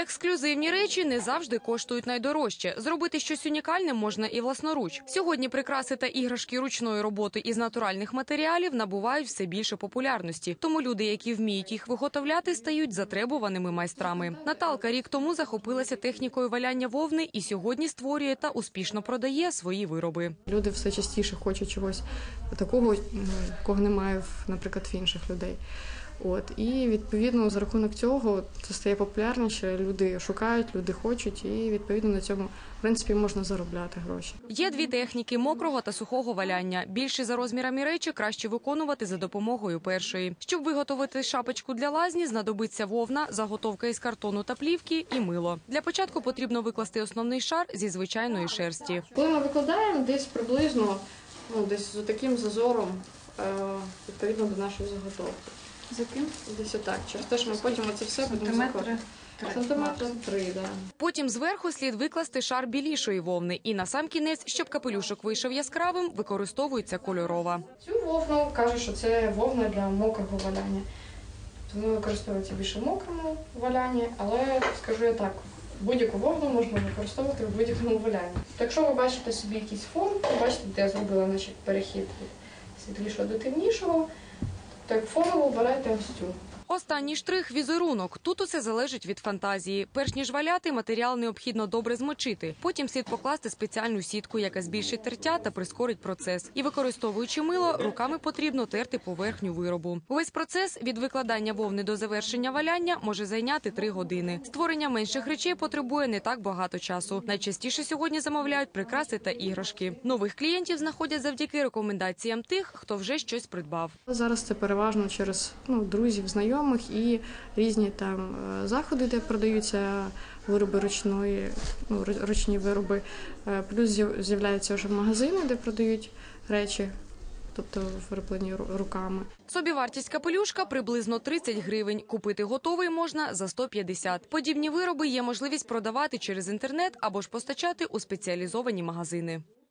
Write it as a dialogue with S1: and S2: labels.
S1: Ексклюзивні речі не завжди коштують найдорожче. Зробити щось унікальне можна і власноруч. Сьогодні прикраси та іграшки ручної роботи із натуральних матеріалів набувають все більше популярності. Тому люди, які вміють їх виготовляти, стають затребуваними майстрами. Наталка рік тому захопилася технікою валяння вовни і сьогодні створює та успішно продає свої вироби.
S2: Люди все частіше хочуть чогось такого, кого немає, наприклад, в інших людей. І, відповідно, за рахунок цього це стає популярніше, люди шукають, люди хочуть, і, відповідно, на цьому, в принципі, можна заробляти гроші.
S1: Є дві техніки – мокрого та сухого валяння. Більші за розмірами речі краще виконувати за допомогою першої. Щоб виготовити шапочку для лазні, знадобиться вовна, заготовка із картону та плівки і мило. Для початку потрібно викласти основний шар зі звичайної шерсті.
S2: Коли ми викладаємо, десь приблизно, десь з таким зазором, відповідно до нашої заготовки.
S3: За ким?
S2: Десь отак. Через те, що ми потім оце все будемо закладати. Сантиметри 3, так.
S1: Потім зверху слід викласти шар білішої вовни. І насамкінець, щоб капелюшок вийшов яскравим, використовується кольорова.
S2: Цю вовну кажуть, що це вовна для мокрого валяння. Тому використовується більше в мокрому валянні, але, скажу я так, будь-яку вовну можна використовувати в будь-якому валянні. Якщо ви бачите собі якийсь фон, ви бачите, де я зробила перехід від світлішого до темнішого, то як фонову обирайте ось цю.
S1: Останній штрих – візерунок. Тут усе залежить від фантазії. Перш ніж валяти, матеріал необхідно добре змочити. Потім слід покласти спеціальну сітку, яка збільшить тертя та прискорить процес. І використовуючи мило, руками потрібно терти поверхню виробу. Увесь процес від викладання вовни до завершення валяння може зайняти 3 години. Створення менших речей потребує не так багато часу. Найчастіше сьогодні замовляють прикраси та іграшки. Нових клієнтів знаходять завдяки рекомендаціям тих, хто вже щось придбав.
S2: Зараз це переважно через друзів, знайомих і різні там заходи, де продаються вироби ручні вироби. Плюс з'являються вже магазини, де продають речі, тобто вироблені руками.
S1: Собівартість капелюшка приблизно 30 гривень. Купити готовий можна за 150. Подібні вироби є можливість продавати через інтернет або ж постачати у спеціалізовані магазини.